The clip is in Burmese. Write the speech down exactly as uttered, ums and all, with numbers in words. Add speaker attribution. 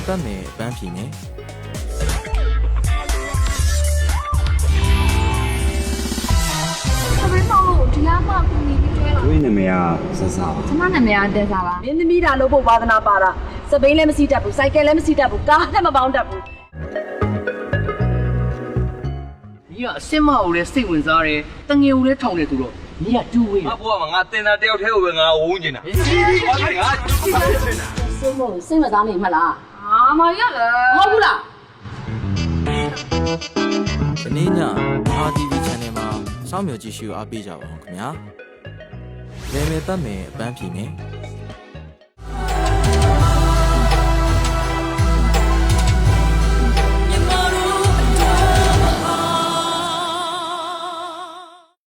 Speaker 1: ပတ်မယ်ပန်းဖြီမယ်
Speaker 2: သမီးမောင်လို့ဒီလားမှကူညီပြီးတွဲလာ
Speaker 3: ဝိနာမည်ကဆဆပါ
Speaker 2: ကျမနာမည်ကတက်စားပါ
Speaker 4: မင်းသမီးဒါလို့ဖို့ဝါသနာပါတာစပိန်လည်းမစီးတတ်ဘူးစိုက်ကယ်လည်းမစီးတတ်ဘူးကားလည်းမပေါင်းတတ်ဘူး
Speaker 5: ညီကအစ်မကိုလည်းစိတ်ဝင်စားတယ်တငယ်ကိုလည်းထောင်တယ်ဆိုတော့ညီကတူဝေး
Speaker 6: ငါဘွားမှာငါတင်တာတယောက်တည်းကိုပဲငါဝုန်းနေတာဘာလဲငါကျူးတယ်နေတာ
Speaker 4: စိတ်မို့စိတ်မသားနေမှလား
Speaker 2: အာမရလည်း
Speaker 4: ဟုတ်ဘူးလား
Speaker 1: ဒီနေ့ည R T V Channel မှာစောင့်မျှော်ကြည့်ရှုအားပေးကြပါဦးခင်ဗျာလေမေပတ်မယ်ပန်းဖြီမယ်